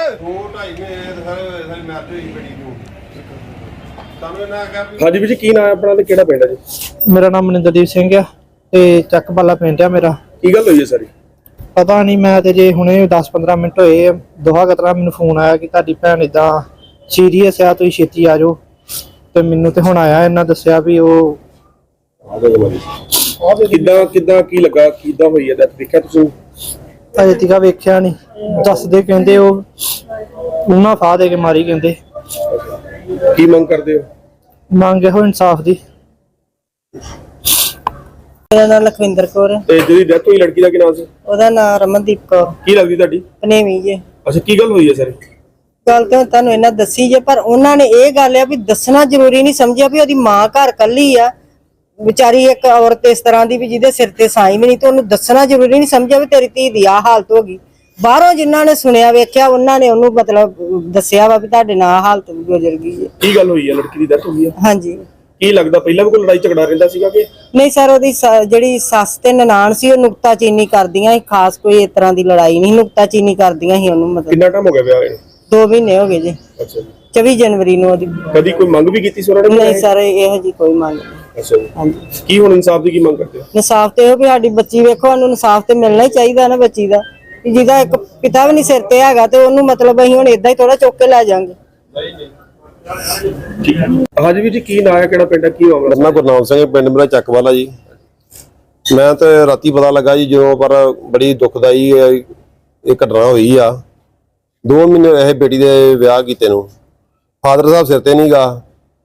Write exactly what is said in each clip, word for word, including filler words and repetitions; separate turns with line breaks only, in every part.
ਹਾਂਜੀ ਵੀਰ ਜੀ, ਕੀ ਨਾਮ ਹੈ ਆਪਣਾ ਤੇ ਕਿਹੜਾ ਪਿੰਡ ਹੈ ਜੀ?
ਮੇਰਾ ਨਾਮ ਮਨਿੰਦਰਦੀਪ ਸਿੰਘ ਆ ਤੇ ਚੱਕ ਵਾਲਾ ਪਿੰਡ ਆ ਮੇਰਾ।
ਕੀ ਗੱਲ ਹੋਈ ਹੈ ਸਾਰੀ?
ਪਤਾ ਨਹੀਂ, ਮੈਂ ਤੇ ਜੇ ਹੁਣੇ ਦਸ ਪੰਦਰਾਂ ਮਿੰਟ ਹੋਏ ਆ, ਦੋਹਾ ਕਤਰਾ ਮੈਨੂੰ ਫੋਨ ਆਇਆ ਕਿ ਤੁਹਾਡੀ ਭੈਣ ਇਦਾਂ ਸੀਰੀਅਸ ਆ, ਤੁਸੀਂ ਛੇਤੀ ਆ ਜਾਓ। ਤੇ ਮੈਨੂੰ ਤੇ ਹੁਣ ਆਇਆ, ਇਹਨਾਂ ਦੱਸਿਆ ਵੀ ਉਹ
ਕਿੱਦਾਂ ਕਿੱਦਾਂ ਕੀ ਲੱਗਾ, ਕਿੱਦਾਂ ਹੋਈ ਹੈ? ਦੇਖਿਆ ਤੁਸੀਂ?
ਅਜੇ ਤੀਕਾ ਵੇਖਿਆ ਨਹੀਂ, ਦੱਸਦੇ ਕਹਿੰਦੇ ਉਹ ਉਹਨਾਂ ਫਾਹ ਦੇ ਕੇ ਮਾਰੀ ਕਹਿੰਦੇ।
ਕੀ ਮੰਗ ਕਰਦੇ ਹੋ?
ਮੰਗ ਇਹੋ ਇਨਸਾਫ ਦੀ।
ਮੇਰਾ ਨਾਮ ਲਖਵਿੰਦਰ ਕੌਰ।
ਤੇ ਜਿਹੜੀ ਡੈਥ ਹੋਈ ਲੜਕੀ ਦਾ ਕੀ ਨਾਮ ਸੀ?
ਉਹਦਾ ਨਾਮ ਰਮਨਦੀਪ ਕੌਰ।
ਕੀ ਲੱਗਦੀ ਤੁਹਾਡੀ?
ਪਨੇਵੀ ਜੇ।
ਅੱਛਾ, ਕੀ ਗੱਲ ਹੋਈ ਹੈ ਸਰ?
ਗੱਲ ਤਾਂ ਤੁਹਾਨੂੰ ਇਹਨਾਂ ਦੱਸੀ ਜੇ, ਪਰ ਉਹਨਾਂ ਨੇ ਇਹ ਗੱਲ ਆ ਵੀ ਦੱਸਣਾ ਜ਼ਰੂਰੀ ਨਹੀਂ ਸਮਝਿਆ ਵੀ ਉਹਦੀ ਮਾਂ ਘਰ ਕੱਲੀ ਆ ਵਿਚਾਰੀ, ਇੱਕ ਔਰਤ ਇਸ ਤਰ੍ਹਾਂ ਦੀ ਵੀ ਜਿਹਦੇ ਸਿਰ ਤੇ ਸਾਈ ਵੀ ਨਹੀਂ, ਤੇ ਉਹਨੂੰ ਦੱਸਣਾ ਜ਼ਰੂਰੀ ਨਹੀਂ ਸਮਝਿਆ ਵੀ ਤੇਰੀ ਧੀ ਦੀ ਆਹ ਹਾਲਤ ਹੋ ਗਈ। ਬਾਹਰੋਂ ਜਿਨ੍ਹਾਂ ਨੇ ਸੁਣਿਆ ਵੇਖਿਆ ਉਹਨਾਂ ਨੇ ਉਹਨੂੰ ਮਤਲਬ ਦੱਸਿਆ ਵਾ ਵੀ ਤੁਹਾਡੇ ਨਾਲ ਹਾਲਤ ਗੁਜ਼ਰ ਗਈ ਹੈ।
ਕੀ ਗੱਲ ਹੋਈ ਹੈ? ਲੜਕੀ ਦੀ ਡੈਥ ਹੋਈ ਹੈ?
ਹਾਂਜੀ।
ਕੀ ਲੱਗਦਾ ਪਹਿਲਾਂ ਵੀ ਕੋਈ ਲੜਾਈ ਝਗੜਾ ਰਹਿੰਦਾ ਸੀਗਾ ਕਿ
ਨਹੀਂ ਸਰ, ਉਹਦੀ ਜਿਹੜੀ ਸੱਸ ਤੇ ਨਨਾਣ ਸੀ ਉਹ ਨੁਕਤਾਚੀਨੀ ਕਰਦੀਆਂ ਸੀ, ਖਾਸ ਕੋਈ ਇਸ ਤਰ੍ਹਾਂ ਦੀ ਲੜਾਈ ਨਹੀਂ, ਨੁਕਤਾਚੀਨੀ ਕਰਦੀਆਂ ਸੀ ਉਹਨੂੰ। ਮਤਲਬ
ਕਿੰਨਾ ਟਾਈਮ ਹੋ ਗਿਆ ਵਿਆਹ ਨੂੰ?
ਦੋ ਮਹੀਨੇ ਹੋ ਗਏ ਜੀ।
ਅੱਛਾ ਜੀ।
ਚੌਵੀ ਜਨਵਰੀ ਨੂੰ ਉਹਦੀ।
ਕਦੀ ਕੋਈ ਮੰਗ ਵੀ ਕੀਤੀ ਸੀ ਉਹਨਾਂ ਨੇ?
ਨਹੀਂ ਸਰ, ਇਹੋ ਜੀ ਕੋਈ ਮੰਗ ਨਹੀਂ।
ਅੱਛਾ ਜੀ।
ਹਾਂਜੀ।
ਕੀ ਹੁਣ ਇਨਸਾਫ ਦੀ ਕੀ ਮੰਗ ਕਰਦੇ ਹੋ?
ਇਨਸਾਫ ਤੇ ਉਹ ਵੀ ਸਾਡੀ ਬੱਚੀ ਵੇਖੋ, ਉਹਨੂੰ ਇਨਸਾਫ ਤੇ ਮਿਲਣਾ ਹੀ ਚਾਹੀਦਾ ਨਾ ਬੱਚੀ ਦਾ, ਜਿਹਦਾ ਇੱਕ ਪਿਤਾ ਵੀ ਨਹੀਂ ਸਿਰ ਤੇ ਹੈਗਾ, ਤੇ ਉਹਨੂੰ ਮਤਲਬ ਅਸੀਂ ਹੁਣ ਏਦਾਂ ਹੀ ਥੋੜਾ ਚੁੱਕ ਕੇ ਲੈ ਜਾਾਂਗੇ।
ਹਾਂਜੀ ਵੀਰ ਜੀ, ਕੀ ਨਾਂ ਹੈ, ਕਿਹੜਾ ਪਿੰਡ ਹੈ, ਕੀ ਮਾਮਲਾ?
ਮੇਰਾ ਗੁਰਨਾਮ ਸਿੰਘ, ਪਿੰਡ ਮੇਰਾ ਚੱਕ ਵਾਲਾ ਜੀ। ਮੈਂ ਤੇ ਰਾਤੀ ਪਤਾ ਲੱਗਾ ਜੀ ਜਦੋਂ, ਪਰ ਬੜੀ ਦੁਖਦਾਈ ਇਹ ਘਟਨਾ ਹੋਈ ਆ। ਦੋ ਮਹੀਨੇ ਹੋਏ ਬੇਟੀ ਦੇ ਵਿਆਹ ਕੀਤੇ ਨੂੰ, ਫਾਦਰ ਸਾਹਿਬ ਸਿਰ ਤੇ ਨਹੀਂ ਗਾ,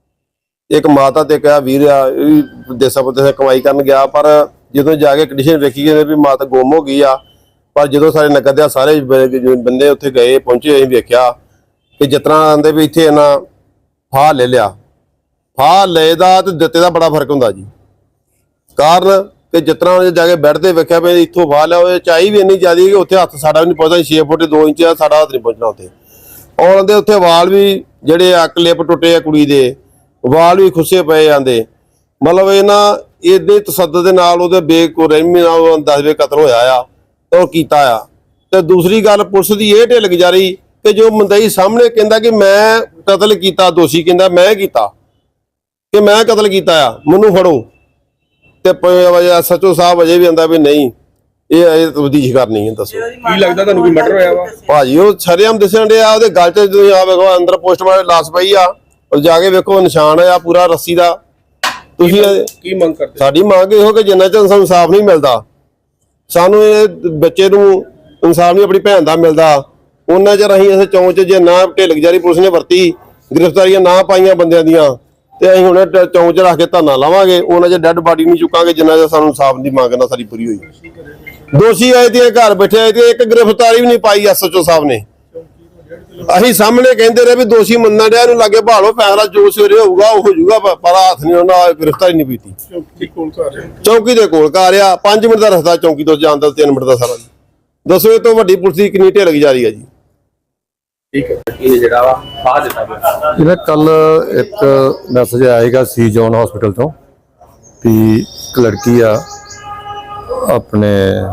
ਇੱਕ ਮਾਤਾ ਤੇ ਕਿਹਾ ਵੀਰ ਆ, ਇਹ ਵੀ ਦੇਸਾਂ ਪਰਦੇਸਾਂ ਕਮਾਈ ਕਰਨ ਗਿਆ, ਪਰ ਜਦੋਂ ਜਾ ਕੇ ਕੰਡੀਸ਼ਨ ਵੇਖੀ ਗਏ ਵੀ ਮਾਤਾ ਗੁੰਮ ਹੋ ਗਈ ਆ। ਪਰ ਜਦੋਂ ਸਾਰੇ ਨਗਰ ਦੇ ਸਾਰੇ ਬੰਦੇ ਉੱਥੇ ਗਏ ਪਹੁੰਚੇ, ਅਸੀਂ ਵੇਖਿਆ ਕਿ ਜਿਸ ਤਰ੍ਹਾਂ ਆਂਦੇ ਵੀ ਇੱਥੇ ਇਹਨਾਂ ਫਾਹ ਲੈ ਲਿਆ। ਫਾਹ ਲਏ ਦਾ ਤੇ ਦਿੱਤੇ ਦਾ ਬੜਾ ਫਰਕ ਹੁੰਦਾ ਜੀ। ਕਾਰਨ ਕਿ ਜਿਸ ਤਰ੍ਹਾਂ ਜਾ ਕੇ ਬੈੱਡ ਤੇ ਵੇਖਿਆ ਵੀ ਇੱਥੋਂ ਫਾਹ ਲਿਆ, ਉਹ ਚਾਈ ਵੀ ਇੰਨੀ ਜ਼ਿਆਦਾ ਕਿ ਉੱਥੇ ਹੱਥ ਸਾਡਾ ਵੀ ਨਹੀਂ ਪਹੁੰਚਦਾ, ਛੇ ਫੁੱਟ ਦੋ ਇੰਚ ਆ, ਸਾਡਾ ਹੱਥ ਨਹੀਂ ਪਹੁੰਚਣਾ ਉੱਥੇ। ਔਰ ਉਹਦੇ ਉੱਥੇ ਵਾਲ ਵੀ ਜਿਹੜੇ ਆ ਕਲਿੱਪ ਟੁੱਟੇ ਆ, ਕੁੜੀ ਦੇ ਵਾਲ ਵੀ ਖੁੱਸੇ ਪਏ ਜਾਂਦੇ। ਮਤਲਬ ਇਹਨਾਂ ਇਹਦੇ ਤਸੱਦਦ ਦੇ ਨਾਲ ਉਹਦੇ ਬੇਰਹਿਮੀ ਨਾਲ ਉਹ ਦਸਵੇਂ ਕਤਲ ਹੋਇਆ ਆ, ਉਹ ਕੀਤਾ ਆ। ਤੇ ਦੂਸਰੀ ਗੱਲ, ਪੁਲਿਸ ਦੀ ਇਹ ਢਿੱਲ ਗੁਜ਼ਾਰੀ ਕਿ ਜੋ ਮੁੰਦਈ ਸਾਹਮਣੇ ਕਹਿੰਦਾ ਕਿ ਮੈਂ ਕਤਲ ਕੀਤਾ, ਦੋਸ਼ੀ ਕਹਿੰਦਾ ਮੈਂ ਕੀਤਾ, ਕਿ ਮੈਂ ਕਤਲ ਕੀਤਾ ਆ, ਮੈਨੂੰ ਫੜੋ। ਤੇ ਸੱਚੋ ਸਾਹਿਬ ਅਜੇ ਵੀ ਆਂਦਾ ਵੀ ਨਹੀਂ, ਇਹ ਅਜੇ ਤਬਦੀਸ਼ ਕਰਨੀ ਹੈ। ਦੱਸੋ
ਕੀ ਲੱਗਦਾ ਤੁਹਾਨੂੰ ਕੋਈ ਮਰਡਰ ਹੋਇਆ ਵਾ?
ਭਾਜੀ ਉਹ ਸ਼ਰੇਆਮ ਦਿਸਣ ਡਿਆ, ਉਹਦੇ ਗਲ 'ਚ ਤੁਸੀਂ ਆ ਵੇਖੋ ਅੰਦਰ ਪੋਸਟਮਾਰਟਮ ਲਾਸ਼ ਪਈ ਆ, ਉਹ ਜਾ ਕੇ ਵੇਖੋ ਨਿਸ਼ਾਨ ਆ ਪੂਰਾ ਰੱਸੀ ਦਾ। ਤੁਸੀਂ
ਕੀ ਮੰਗ ਕਰਦੇ?
ਸਾਡੀ ਮੰਗ ਇਹੋ ਕਿ ਜਿੰਨਾ ਚਿਰ ਸਾਨੂੰ ਇਨਸਾਫ ਨਹੀਂ ਮਿਲਦਾ, ਸਾਨੂੰ ਇਹ ਬੱਚੇ ਨੂੰ ਇਨਸਾਫ ਨਹੀਂ ਆਪਣੀ ਭੈਣ ਦਾ ਮਿਲਦਾ, ਉਹਨਾਂ ਚਿਰ ਅਸੀਂ ਇਸ ਚੌਂਚ 'ਚ ਜੇ ਨਾ ਢਿੱਲ ਗੁਜ਼ਾਰੀ ਪੁਲਿਸ ਨੇ ਵਰਤੀ, ਗ੍ਰਿਫਤਾਰੀਆਂ ਨਾ ਪਾਈਆਂ ਬੰਦਿਆਂ ਦੀਆਂ, ਤੇ ਅਸੀਂ ਹੁਣ ਚੌਂਚ 'ਚ ਰੱਖ ਕੇ ਧਰਨਾ ਲਾਵਾਂਗੇ। ਉਹਨਾਂ ਚਿਰ ਡੈਡ ਬਾਡੀ ਨਹੀਂ ਚੁੱਕਾਂਗੇ ਜਿੰਨਾ ਚਿਰ ਸਾਨੂੰ ਇਨਸਾਫ ਦੀ ਮੰਗ ਨਾ ਸਾਡੀ ਪੂਰੀ ਹੋਈ। ਦੋਸ਼ੀ ਆਏ ਤੇ ਘਰ ਬੈਠੇ ਆਏ ਤੇ ਇੱਕ ਗ੍ਰਿਫਤਾਰੀ ਵੀ ਨਹੀਂ ਪਾਈ ਐਸ ਐਚ ਓ ਸਾਹਿਬ ਨੇ। ਅਸੀਂ ਸਾਹਮਣੇ ਕਹਿੰਦੇ ਰਹੇ ਵੀ ਦੋਸ਼ੀ ਮੰਨਣ ਡਿਆ, ਇਹਨੂੰ ਲਾਗੇ ਭਾਲੋ, ਫੈਸਲਾ ਜੋ ਸਵੇਰੇ ਹੋਊਗਾ ਉਹ ਹੋ ਜਾਊਗਾ, ਪਰ ਹੱਥ ਨਹੀਂ ਉਹਨਾਂ ਗ੍ਰਿਫਤਾਰੀ ਨਹੀਂ ਪੀਤੀ। ਚੌਂਕੀ ਦੇ ਕੋਲ ਘਰ ਆ, ਪੰਜ ਮਿੰਟ ਦਾ ਰਸਤਾ ਚੌਂਕੀ ਤੋਂ ਜਾਣ ਦਾ, ਤਿੰਨ ਮਿੰਟ ਦਾ ਸਾਰਾ। ਦੱਸੋ ਇਹ ਤੋਂ ਵੱਡੀ ਪੁਲਿਸ ਦੀ ਕਿੰਨੀ ਢਿੱਲ ਗੁਜ਼ਾਰੀ ਆ ਜੀ।
ਠੀਕ ਹੈ। ਇਹ ਜਿਹੜਾ ਵਾ ਫਾਹ ਦਿੱਤਾ ਗਿਆ,
ਇਹਦਾ ਕੱਲ ਇੱਕ ਮੈਸੇਜ ਆਏਗਾ ਸੀ ਜੋਨ ਹਸਪੀਟਲ ਤੋਂ ਵੀ ਇੱਕ ਲੜਕੀ ਆ ਆਪਣੇ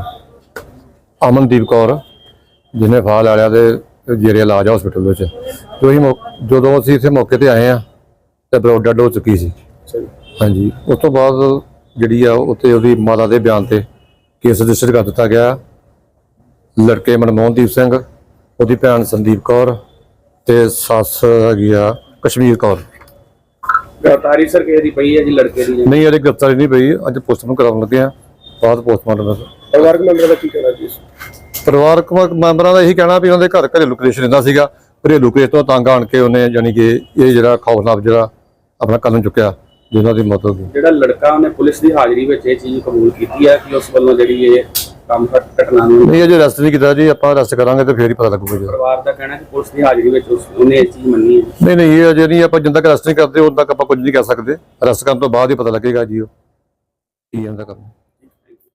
ਅਮਨਦੀਪ ਕੌਰ, ਜਿਹਨੇ ਫਾਹ ਲੈ ਲਿਆ ਤੇ ਜੇਰੇ ਇਲਾਜ ਹਸਪੀਟਲ ਵਿੱਚ। ਜੋ ਅਸੀਂ ਜਦੋਂ ਅਸੀਂ ਇੱਥੇ ਮੌਕੇ ਤੇ ਆਏ ਆ ਤੇ ਬਰੋਡ ਡੈਡ ਹੋ ਚੁੱਕੀ ਸੀ। ਹਾਂਜੀ, ਉਸ ਤੋਂ ਬਾਅਦ ਜਿਹੜੀ ਆ ਉੱਥੇ ਉਹਦੀ ਮਾਤਾ ਦੇ ਬਿਆਨ ਤੇ ਕੇਸ ਰਜਿਸਟਰ ਕਰ ਦਿੱਤਾ ਗਿਆ। ਲੜਕੇ ਮਨਮੋਹਨਦੀਪ ਸਿੰਘ, ਉਹਦੀ ਭੈਣ ਸੰਦੀਪ ਕੌਰ ਤੇ ਸੱਸ ਹੈਗੀ ਆ ਕਸ਼ਮੀਰ ਕੌਰ।
ਗ੍ਰਿਫਤਾਰੀ ਸਰ ਕਿਸੇ ਦੀ ਪਈ ਹੈ ਜੀ ਲੜਕੇ ਦੀ?
ਨਹੀਂ, ਇਹਦੀ ਗ੍ਰਿਫਤਾਰੀ ਨਹੀਂ ਪਈ, ਅੱਜ ਪੋਸਟਮਾਰਟਮ ਕਰਾਉਣ ਲੱਗੇ ਆ, ਬਾਅਦ ਪੋਸਟਮਾਰਟਮ।
ਪਰਿਵਾਰਕ ਮੈਂਬਰਾਂ ਦਾ ਕੀ ਕਹਿਣਾ ਜੀ?
ਪਰਿਵਾਰਕ ਮੈਂਬਰਾਂ ਦਾ ਇਹੀ ਕਹਿਣਾ ਵੀ ਉਹਨਾਂ ਦੇ ਘਰ ਘਰੇਲੂ ਕਲੇਸ਼ ਰਹਿੰਦਾ ਸੀਗਾ, ਘਰੇਲੂ ਕਲੇਸ਼ ਤੋਂ ਤੰਗ ਆਣ ਕੇ ਉਹਨੇ ਯਾਨੀ ਕਿ ਇਹ ਜਿਹੜਾ ਖੌਫਨਾਕ ਜਿਹੜਾ ਆਪਣਾ ਕਦਮ ਚੁੱਕਿਆ, ਜਿਹਨਾਂ ਦੀ ਮੌਤ ਹੋ ਗਈ।
ਜਿਹੜਾ ਲੜਕਾ ਉਹਨੇ ਪੁਲਿਸ ਦੀ ਹਾਜ਼ਰੀ ਵਿੱਚ ਇਹ ਚੀਜ਼ ਕਬੂਲ ਕੀਤੀ ਹੈ ਕਿ ਉਸ ਵੱਲੋਂ ਜਿਹੜੀ ਇਹ ਕੰਮ ਘਟਨਾ ਨੂੰ
ਨਹੀਂ ਅਜੇ ਅਰੈਸਟ ਨਹੀਂ ਕੀਤਾ ਜੀ, ਆਪਾਂ ਅਰੈਸਟ ਕਰਾਂਗੇ ਤੇ ਫੇਰ ਹੀ ਪਤਾ ਲੱਗੂਗਾ ਜੀ।
ਪਰਿਵਾਰ ਦਾ ਕਹਿਣਾ ਕਿ ਪੁਲਿਸ ਦੀ ਹਾਜ਼ਰੀ ਵਿੱਚ ਉਹਨੇ ਇਹ ਚੀਜ਼ ਮੰਨੀ ਹੈ।
ਨਹੀਂ ਨਹੀਂ, ਇਹ ਅਜੇ ਨਹੀਂ, ਆਪਾਂ ਜਿੰਨਾ ਤੱਕ ਅਰੈਸਟ ਨਹੀਂ ਕਰਦੇ ਉਦੋਂ ਤੱਕ ਆਪਾਂ ਕੁਝ ਨਹੀਂ ਕਹਿ ਸਕਦੇ। ਅਰੈਸਟ ਕਰਨ ਤੋਂ ਬਾਅਦ ਹੀ ਪਤਾ ਲੱਗੇਗਾ ਜੀ ਉਹ ਕੀ ਇਹਦਾ ਕੰਮ।